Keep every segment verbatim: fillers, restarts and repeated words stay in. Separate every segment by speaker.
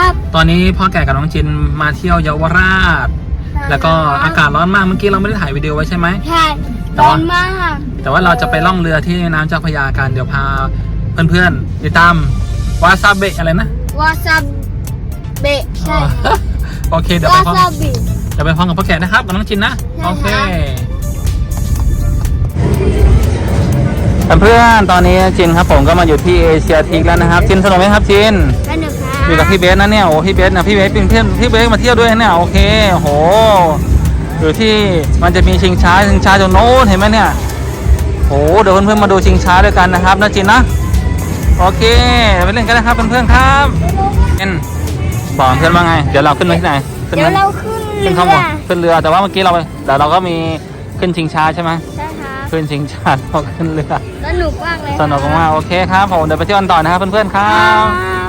Speaker 1: ครับ
Speaker 2: ตอนนี้พ่อแก่กับน้องจินมาเที่ยวเยาวราชแล้วก็อากาศร้อนมากเมื่อกี้เราไม่ได้ถ่ายวิดีโอไว้ใช่ไหม
Speaker 1: ใช่ร้อนมาก
Speaker 2: แต่ว่าเราจะไปล่องเรือที่น้ำเจ้าพระยากันเดี๋ยวพาเพื่อนๆติดตามวาซาเบะอะไรนะ
Speaker 1: วาซาเบะใช่
Speaker 2: โอเคเดี๋ยว
Speaker 1: วา
Speaker 2: ไปพร้อม
Speaker 1: ซาบิ
Speaker 2: เดี๋ยวไปพร้อมกับพ่อแก่นะครับกับน้องจินนะ
Speaker 1: ใช่
Speaker 2: โอเค
Speaker 1: ครับ
Speaker 2: เพื่อนๆตอนนี้จินครับผมก็มาอยู่ที่เอเชียทีกแล้วนะครับจินสนุกไหมครับจิน
Speaker 1: สนุกครับ
Speaker 2: อยู่กับพี่เบสนะเนี่ยโอ้พี่เบสนะพี่เบสเป็นเพื่อนพี่เบสมาเที่ยวด้วยเนี่ยโอเคโอ้โหอยู่ที่มันจะมีชิงช้าชิงช้าตรงโน้นเห็นไหมเนี่ยโอ้เดี๋ยวเพื่อนๆมาดูชิงช้าด้วยกันนะครับนะจินนะโอเคไปเล่นกันนะครับเพื่อนๆครับเอ็นบอกเพื่อนว่าไงเดี๋ยวเราขึ้นไปที่ไหนขึ้น
Speaker 1: เดี๋ยว
Speaker 2: ไหม
Speaker 1: เราขึ้นเรื
Speaker 2: ขึ้น
Speaker 1: อ
Speaker 2: ข้างบนขึ้นเรือแต่ว่าเมื่อกี้เราเดี๋ยวเราก็มีขึ้นชิงช้าใช่ไหม
Speaker 1: ใช่ครับ
Speaker 2: ขึ้นชิงช้าเราขึ้นเรือ
Speaker 1: สนุกมากเลย
Speaker 2: สนุกมากโอเคครับผมเดี๋ยวไปเที่ยวกันต่อนะครับเพื่อนๆครั
Speaker 1: ครับ บ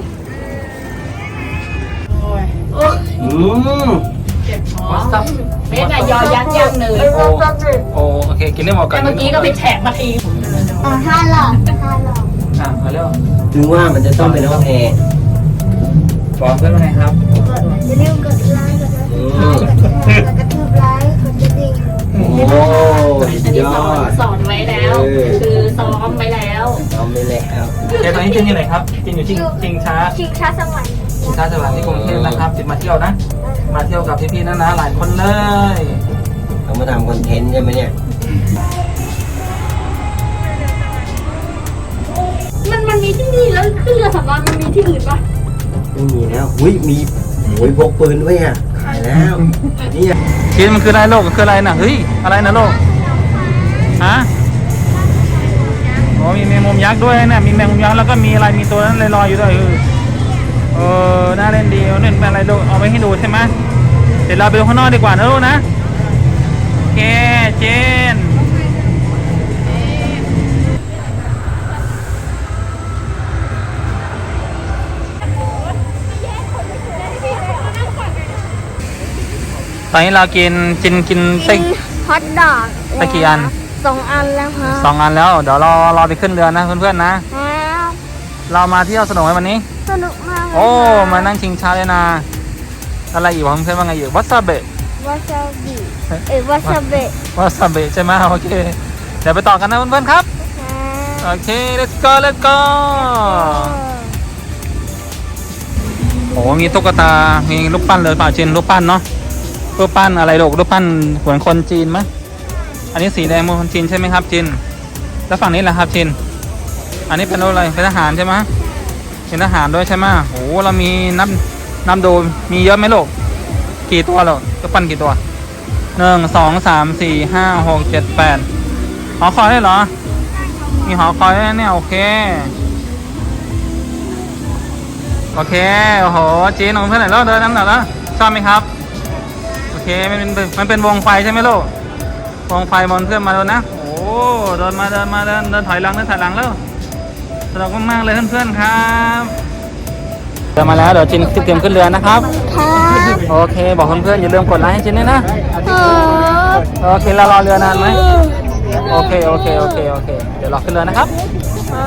Speaker 2: อืม
Speaker 3: เบสอะยอยักษ์ย่างเนย
Speaker 2: โอ้โอ้โอเคกินได้หมดกัน
Speaker 3: แต่เมื่อกี้ก็ไปแฉะมาที
Speaker 1: อ่าห้าหลอดห้าหลอด
Speaker 2: อ่ะมาเร็ว
Speaker 4: ถึงว่ามันจะต้องเป็นห้องแอร์
Speaker 2: บอกเพื่อนว่าไงครับ
Speaker 1: อย่าลืมกดไลค์กดติดตามกดแชร์กดกระทืบไลค์กดกระดิ่ง
Speaker 4: โอ้สุ
Speaker 3: อัน
Speaker 4: ด
Speaker 3: นี้
Speaker 4: ย
Speaker 3: ส
Speaker 4: อ
Speaker 3: อน
Speaker 4: ด
Speaker 3: สอนไว้แล้ว คือซ้อมไว้แล้ว
Speaker 4: เอาไปแล้ว
Speaker 2: เดี๋ยวตอนนี้จินอยู่ไหนครับจินอยู่ชิงชิงช้า
Speaker 1: ชิงช้าสวรรค์
Speaker 2: ชิงช้าสวรรค์ที่กรุงเทพนะครับจินมาเที่ยวนะ มาเที่ยวกับพี่ๆนะนะหลายคนเลย
Speaker 4: เอามาทำคอนเทนต์ใช่ไหมเนี่ย
Speaker 3: มันมันมีที่นี่แล้วขึ้นเรือสำราญมันมีที่อื่นปะ
Speaker 4: ไม่มีแล้วหุ้ยมีโอ้ยพกปืนด้วยอ่ะขายแล้วนี่
Speaker 2: จินมันคืออะไรโลกคืออะไรนะเฮ้ยอะไรนะโลกฮะโอ้มีแมงมุมยักษ์ด้วยเนี่ยมีแมงมุมยักษ์แล้วก็มีอะไรมีตัวนั้นลอยๆอยู่ด้วยเออเออน่าเล่นดีเอาเล่นเป็นอะไรลูกเอาไปให้ดูใช่ไหมเดี๋ยวเราไปดูข้างนอกดีกว่านะลูกนะโอเคเจนตอนนี้เรากินกินกินไส้
Speaker 1: ฮอตดอก
Speaker 2: ไปกี่อัน
Speaker 1: สองอันแล้วครับ
Speaker 2: สองอันแล้วเดี๋ยวเรารอไปขึ้นเรือนะเพื่อนๆนะ
Speaker 1: ครับ
Speaker 2: เรามาเที่ยวสนุกไหมวันนี้
Speaker 1: สนุกมากเลย
Speaker 2: โอ้
Speaker 1: ครับ
Speaker 2: มานั่งชิงช้าเลยนะอะไรอีกวะเพื่อนๆว่าไงอีกวัซาเบะ
Speaker 1: วาซาบิเอ้ยวาซาเบะ
Speaker 2: วัซาเบะใช่ไหมโอเคเดี๋ยวไปต่อกันนะเพื่อนๆครับ
Speaker 1: ครับ
Speaker 2: โอเค let's go let's go โอ้มีตุ๊กตา มีรูปปั้นเลยเปล่าจินรูปปั้นเนาะรูปปั้นอะไรลูกรูปปั้นเหมือนคนจีนไหมอันนี้สีแดงเหมือนคนจีนใช่ไหมครับจินแล้วฝั่งนี้แหละครับจินอันนี้เป็นอะไรเป็นทหารใช่ไหมเป็นทหารด้วยใช่ไหมโอ้เรามีนับนับดูมีเยอะไหมลูกกี่ตัวลูกรูปปั้นกี่ตัวหนึ่งสองสามสี่ห้าหกเจ็ดแปดหอคอยได้เหรอมีหอคอยด้วยเนี่ยโอเคโอเคโอ้โหจีนของเพื่อนไหนแล้วเดินน้ำหนักแล้วชอบไหมครับโอเคมันเป็นมันเป็นวงไฟใช่ไหมลูกวงไฟบนเพื่อนมาแล้วนะโอ้เดินมาเดินมาเดินเดินถอยหลังเดินถอยหลังแล้วสนุกมากๆเลยเพื่อนๆครับเดินมาแล้วเดี๋ยวจินเตรียมขึ้นเรือนะครับ
Speaker 1: ครับ
Speaker 2: โอเคบอกเพื่อนๆอย่าลืมกดไลค์ให้จินด้วยนะ
Speaker 1: ครับ
Speaker 2: โอเคเรารอเรือนานไหมโอเคโอเคโอเคโอเคเดี๋ยวรอขึ้นเรือนะครับ
Speaker 1: ครั